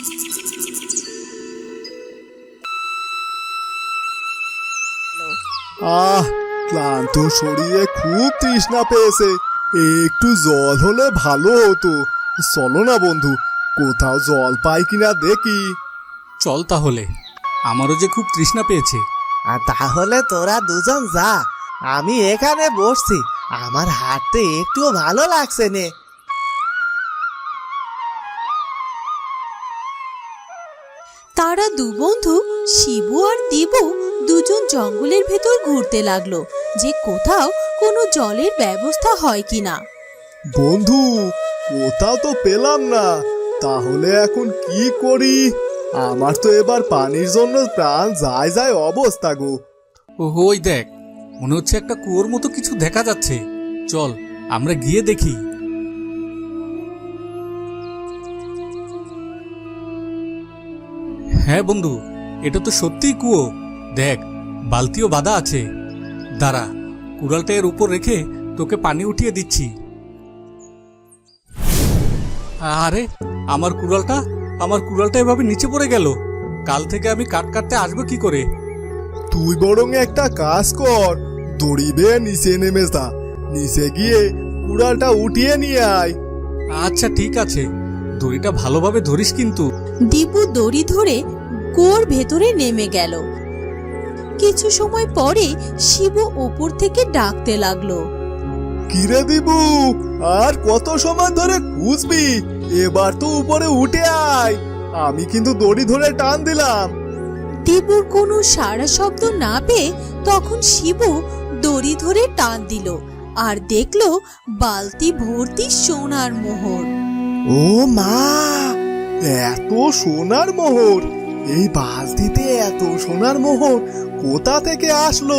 আহ, ক্লান্ত শরীরে খুব তৃষ্ণা পেয়েছে। একটু জল হলে ভালো হতো। চলো না বন্ধু, কোথাও জল পাই কিনা দেখি। চল তাহলে, আমারও যে খুব তৃষ্ণা পেয়েছে। তাহলে তোরা দুজন যা, আমি এখানে বসছি। আমার হাঁটতে একটু ভালো লাগছে নে। তারা দু বন্ধু শিবু আর দিবু দুজন জঙ্গলের ভেতর ঘুরতে লাগলো যে কোথাও কোনো জলের ব্যবস্থা হয় কিনা। বন্ধু, কোথাও তো পেলাম না। তাহলে এখন কি করি? আমার তো এবার পানির জন্য প্রাণ যায় যায় অবস্থা গো। ওই দেখ, মনে হচ্ছে একটা কুয়োর মতো কিছু দেখা যাচ্ছে। চল আমরা গিয়ে দেখি। হ্যাঁ বন্ধু, এটা তো সত্যিই কুয়ো। দেখ, বালতিও বাঁধা আছে। দাঁড়া, কুড়ালটা এর উপর রেখে তোকে পানি উঠিয়ে দিচ্ছি। আরে, আমার কুড়ালটা এভাবে নিচে পড়ে গেল। কাল থেকে আমি কাঠ কাটতে আসবো কি করে? তুই বরং একটা কাজ কর, দড়ি বেয়ে নিচে নেমে যা। নিচে গিয়ে কুড়ালটা উঠিয়ে নিয়ে আয়। আচ্ছা ঠিক আছে, দড়িটা ভালোভাবে ধরিস কিন্তু। দিবু দড়ি ধরে কুয়োর ভেতরে নেমে গেল। কিছু সময় পরে শিবু উপর থেকে ডাকতে লাগলো, কিরে দিবু, আর কত সময় ধরে খুঁজবি? এবার তো উপরে উঠে আয়। আমি কিন্তু দড়ি ধরে টান দিলাম। দিবুর কোনো সাড়া শব্দ না পেয়ে তখন শিবু দড়ি ধরে টান দিল আর দেখলো বালতি ভর্তি সোনার মোহর। ও মা, এত সোনার মোহর! এই বালতিতে এত সোনার মোহর কোথা থেকে আসলো?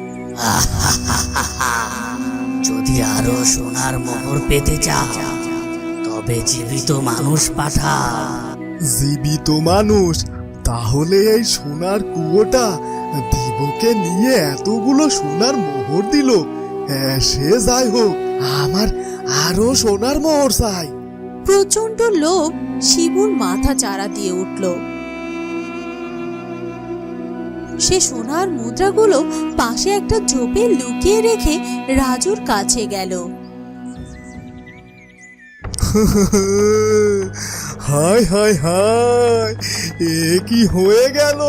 যদি আরো সোনার মোহর পেতে চাও তবে জীবিত মানুষ পাঠা। জীবিত মানুষ? তাহলে এই সোনার কুয়োটা দিবুকে নিয়ে এতগুলো সোনার মোহর দিল। সে যাই হোক, আমার আরো সোনার মোহর চাই। প্রচন্ড লোভ শিবুর মাথা চারা দিয়ে উঠল। সে সোনার মুদ্রাগুলো পাশে একটা ঝোপে লুকিয়ে রেখে রাজুর কাছে গেল। হায় হায় হায়, এ কি হয়ে গেল?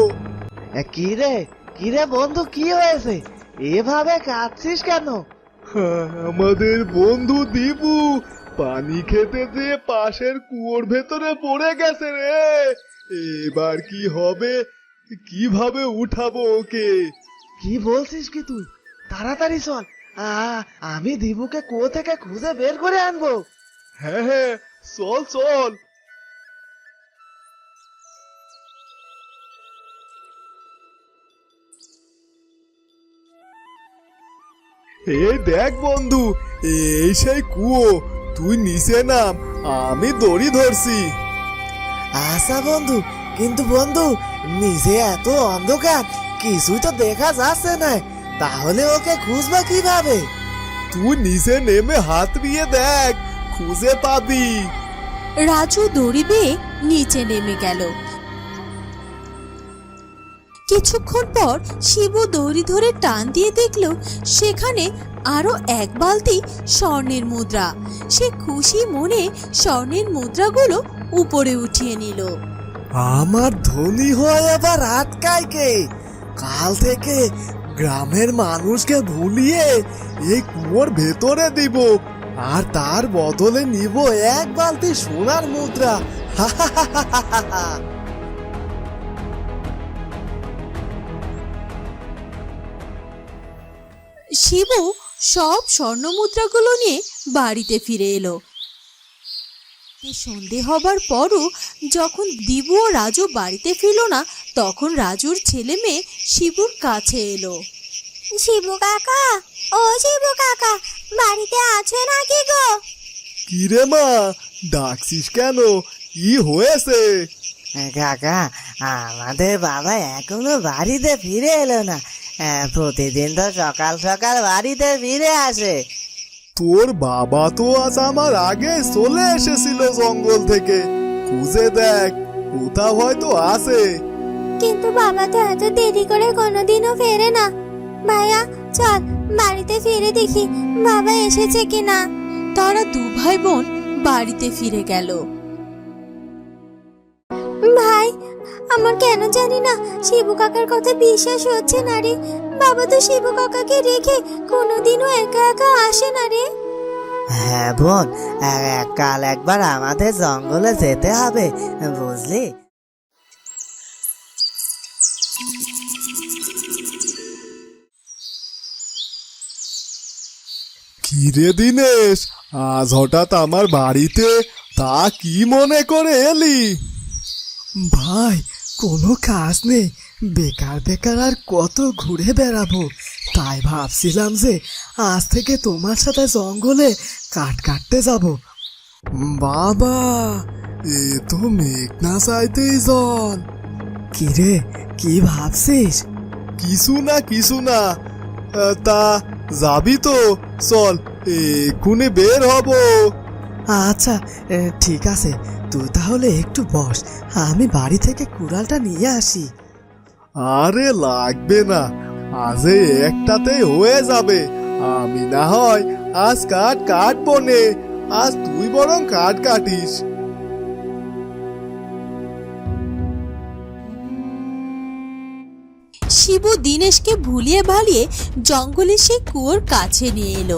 কিরে বন্ধু, কি হয়েছে? এভাবে কাঁদছিস কেন? আমাদের বন্ধু দিবু পানি খেতে যেয়ে পাশের কুয়োর ভেতরে পড়ে গেছে রে। এবার কি হবে? কিভাবে উঠাবো ওকে? কি বলছিস কি তুই? তাড়াতাড়ি চল, আমি দিবুকে কুয়ো থেকে খুঁজে বের করে আনবো। হ্যাঁ হ্যাঁ, চল চল। এই দেখ বন্ধু, এই সেই কুয়ো। তুই নিচে নাম, আমি দড়ি ধরছি। আচ্ছা বন্ধু, কিন্তু বন্ধু নিচে এত অন্ধকার, কিছুই তো দেখা যাচ্ছে না। তাহলে ওকে খুঁজবা কিভাবে? তুই নিচে নেমে হাত দিয়ে দেখ, খুঁজে পাবি। রাজু দড়ি বেয়ে নিচে নেমে গেল। কিছুক্ষণ পর শিবু দড়ি ধরে টান দিয়ে দেখল সেখানে আরো এক বালতি স্বর্ণের মুদ্রা। সে খুশি মনে স্বর্ণের মুদ্রাগুলো উপরে উঠিয়ে নিল। আমার ধনী হয় আবার আটকায় কে? কাল থেকে গ্রামের মানুষকে ভুলিয়ে এই কুয়োর ভেতরে দিব, আর তার বদলে নিব এক বালতি সোনার মুদ্রা। শিবু সব স্বর্ণ মুদ্রাগুলো নিয়ে বাড়িতে ফিরে এলো। সন্ধে হবার পরও যখন দিবু ও রাজু বাড়িতে ফিরল না, তখন রাজুর ছেলে মেয়ে শিবুর কাছে এলো। শিবু কাকা, ও শিবু কাকা, বাড়িতে আছো নাকি গো? কিরে মা, ডাকছিস কেন? কি হয়েছে? কাকা, আমাদের বাবা এখনো বাড়িতে ফিরে এলো না। প্রতিদিন তো সকাল সকাল বাড়িতে ফিরে আসে। তোর বাবা তো আজ আমার আগে চলে এসেছিল জঙ্গল থেকে। খুঁজে দেখ, কোথাও হয়তো আছে। কিন্তু বাবা তো এত দেরি করে কোনোদিনও ফেরে না। ভাইয়া চল বাড়িতে ফিরে দেখি বাবা এসেছে কিনা। তারা দু ভাই বোন বাড়িতে ফিরে গেল। ভাই, আমার কেন জানি না শিবু কাকার কথা বিশ্বাস হচ্ছে না রে। বাবা তো শিবু কাকাকে রেখে কোনোদিনও একা একা আসে না রে। হ্যাঁ বোন, কাল একবার আমাদের জঙ্গলে যেতে হবে, বুঝলি? কিরে দিনেশ, আজ হঠাৎ আমার বাড়িতে, তা কি মনে করে এলি? ভাই, কোনো কাজ নেই, বেকার বেকার আর কত ঘুরে বেড়াবো, তাই ভাবছিলাম যে আজ থেকে তোমার সাথে জঙ্গলে কাঠ কাটতে যাব। বাবা, এ তো মেঘনা চাইতেই জল। কিরে, কি ভাবছিস? কিছু না, তা যাবি তো? চল, এক্ষুনি বের হব। আচ্ছা, ঠিক আছে, তুই তাহলে একটু বস, আমি বাড়ি থেকে কুড়ালটা নিয়ে আসি। আরে লাগবে না, আজ এই একটাতেই হয়ে যাবে। আমি না হয় আজ কাঠ কাটবো নে, আজ তুই বরং কাঠ কাটিস। শিবু দিনেশকে ভুলিয়ে ভালিয়ে জঙ্গলে সে কুয়োর কাছে নিয়ে এলো।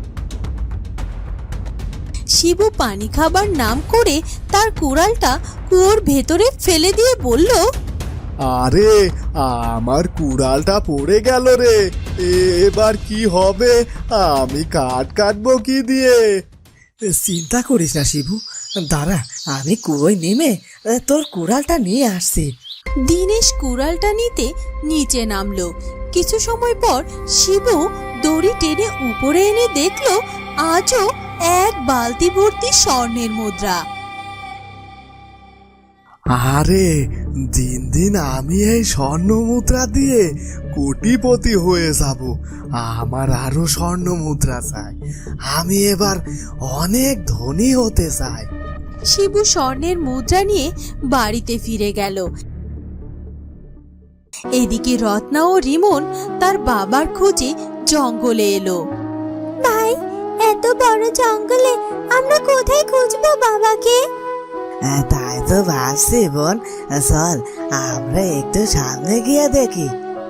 শিবু পানি খাবার নাম করে তার কুড়ালটা কুয়োর ভেতরে ফেলে দিয়ে বলল, আরে আমার কুড়ালটা পড়ে গেল রে, এবার কি হবে? আমি কাঠ কাটবো কি দিয়ে? চিন্তা করিস না শিবু, দাঁড়া, আমি কুয়োয় নেমে তোর কুড়ালটা নিয়ে আসছি। দিনেশ কুড়ালটা নিতে নিচে নামলো। কিছু সময় পর শিবু দড়ি টেনে উপরে এনে দেখলো আজও এক বালতি ভর্তি স্বর্ণের মুদ্রা। আরে দিন দিন আমি এই স্বর্ণ মুদ্রা দিয়ে কোটিপতি হয়ে যাব। আমার আরো স্বর্ণ মুদ্রা চাই, আমি এবার অনেক ধনী হতে চাই। শিবু স্বর্ণের মুদ্রা নিয়ে বাড়িতে ফিরে গেল। এদিকে রত্না ও রিমন তার বাবার খোঁজে জঙ্গলে এলো। ভাই, এত বড় জঙ্গলে আমরা কোথায় খুঁজবো বাবাকে? তাই তো ভাবছি বোন, চল আমরা একটু সামনে গিয়ে দেখি।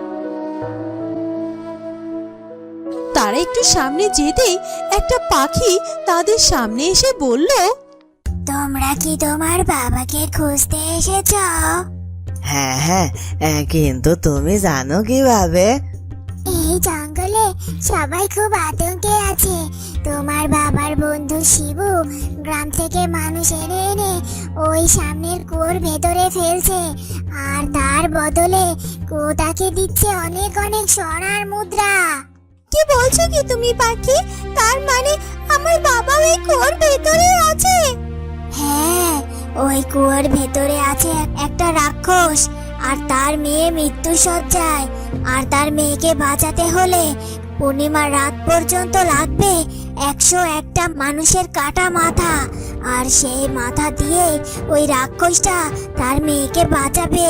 তারা একটু সামনে যেতেই একটা পাখি তাদের সামনে এসে বলল, তোমরা কি তোমার বাবাকে খুঁজতে এসেছ? হ্যাঁ হ্যাঁ, কিন্তু তুমি জানো কিভাবে? এই জঙ্গলে সবাই খুব আতঙ্কে আছে। তোমার বাবার বন্ধু শিবু গ্রাম থেকে মানুষ এনে এনে ওই সামনের কুয়োর ভেতরে ফেলছে, আর তার বদলে কুয়োটাকে দিচ্ছে অনেক অনেক সোনার মুদ্রা। কি বলছো কি তুমি পাখি? তার মানে আমার বাবা ওই কুয়োর ভেতরে আছে? হ্যাঁ, ওই কুয়োর ভেতরে আছে একটা রাক্ষস, আর তার মেয়ে মৃত্যু সজ্জায়। আর তার মেয়েকে বাঁচাতে হলে পূর্ণিমার রাত পর্যন্ত লাগবে 101টা মানুষের কাটা মাথা, আর সেই মাথা দিয়ে ওই রাক্ষসটা তার মেয়েকে বাঁচাবে।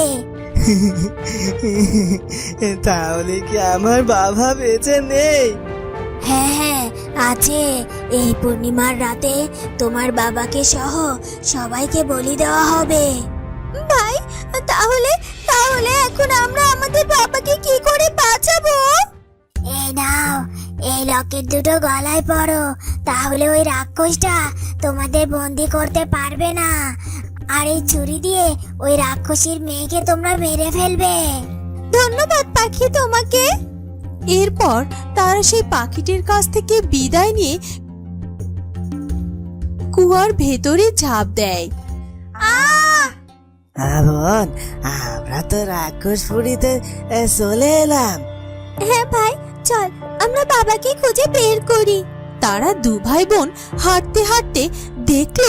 তাহলে কি আমার বাবা বেঁচে নেই? হ্যাঁ হ্যাঁ আছে। এই পূর্ণিমার রাতে তোমার বাবাকে সহ সবাইকে বলি দেওয়া হবে। ভাই, তাহলে তাহলে এখন আমরা আমাদের বাবাকে কি করে বাঁচাবো? এই নাও, এই লকেট দুটো গলায় পরো, তাহলে ওই রাক্ষসটা তোমাদের বন্দি করতে পারবে না। আর এই ছুরি দিয়ে ওই রাক্ষসীর মেয়েকে তোমরা মেরে ফেলবে। ধন্যবাদ পাখি তোমাকে। এরপর তারা সেই পাখিটির কাছ থেকে বিদায় নিয়ে কুয়ার ভেতরে ঝাঁপ দেয়। বোন, আমরা তো রাক্ষসপুরীতে চলে এলাম। হ্যাঁ ভাই, চল আমরা বাবাকে খুঁজে বের করি। তারা দু ভাই বোন হাঁটতে হাঁটতে দেখলো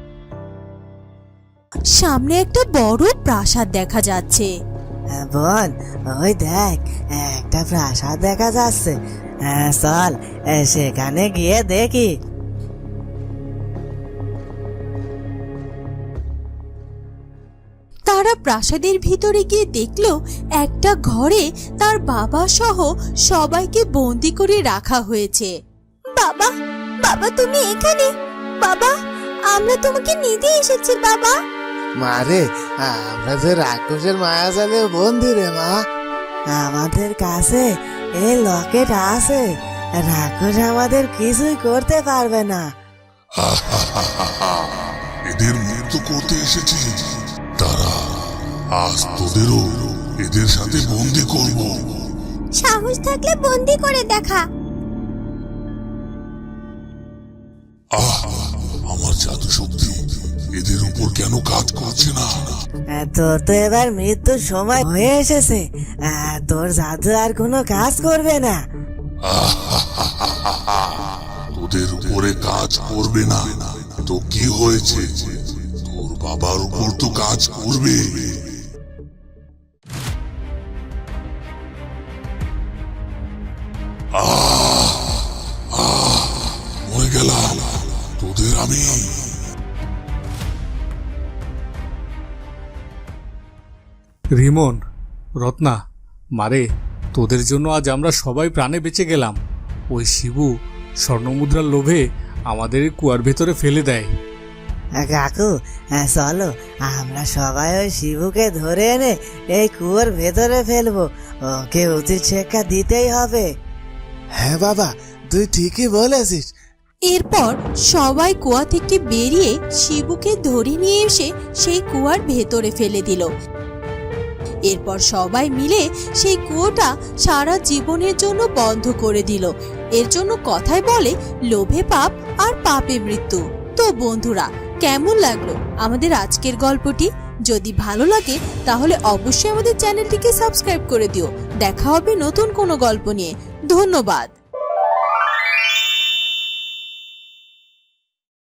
সামনে একটা বড় প্রাসাদ দেখা যাচ্ছে। বোন, ওই দেখ, একটা প্রাসাদ দেখা যাচ্ছে, চল সেখানে গিয়ে দেখি। তারা প্রাসাদের ভিতরে গিয়ে দেখলো একটা ঘরে তার বাবা সহ সবাইকে বন্দি করে রাখা হয়েছে। বাবা, বাবা তুমি এখানে? বাবা, আমরা তোমাকে নিতে এসেছি বাবা। মারে, আমরা যে রাক্ষসের মায়াজালে বন্দি রে মা। আমাদের কাছে এই লকেট আছে, রাক্ষস আমাদের কিছুই করতে পারবে না। এদের মুক্ত করতে এসেছি, তারা আজ তোদেরও এদের সাথে বন্দি করব। সাহস থাকলে বন্দি করে দেখা। আমার জাদু শক্তি এদের উপর কেন কাজ করছে না? তোর তো এবার মৃত্যুর সময় হয়ে এসেছে, তোর জাদু আর কোনো কাজ করবে না। তোদের উপরে কাজ করবে না তো কি হয়েছে? তোর বাবার উপর তো কাজ করবে। মরে গেলাম, তোদের আমি। রিমন, রত্না, মারে, তোদের জন্য আজ আমরা সবাই প্রাণে বেঁচে গেলাম। ওই শিবু স্বর্ণমুদ্রার লোভে আমাদের এই কুয়ার ভেতরে ফেলে দেয়। কাকু, চলো আমরা সবাই ওই শিবুকে ধরে এনে এই কুয়োর ভেতরে ফেলবো। ওকে উচিত শিক্ষা দিতেই হবে। হ্যাঁ বাবা, তুই ঠিকই বলেছিস। এরপর সবাই কুয়া থেকে বেরিয়ে শিবুকে ধরে নিয়ে এসে সেই কুয়ার ভেতরে ফেলে দিল। এরপর সবাই মিলে সেই কুয়োটা সারা জীবনের জন্য বন্ধ করে দিল। এর জন্য কথায় বলে, লোভে পাপ আর পাপে মৃত্যু। তো বন্ধুরা, কেমন লাগলো আমাদের আজকের গল্পটি? যদি ভালো লাগে তাহলে অবশ্যই আমাদের চ্যানেলটিকে সাবস্ক্রাইব করে দিও। দেখা হবে নতুন কোনো গল্প নিয়ে। ধন্যবাদ।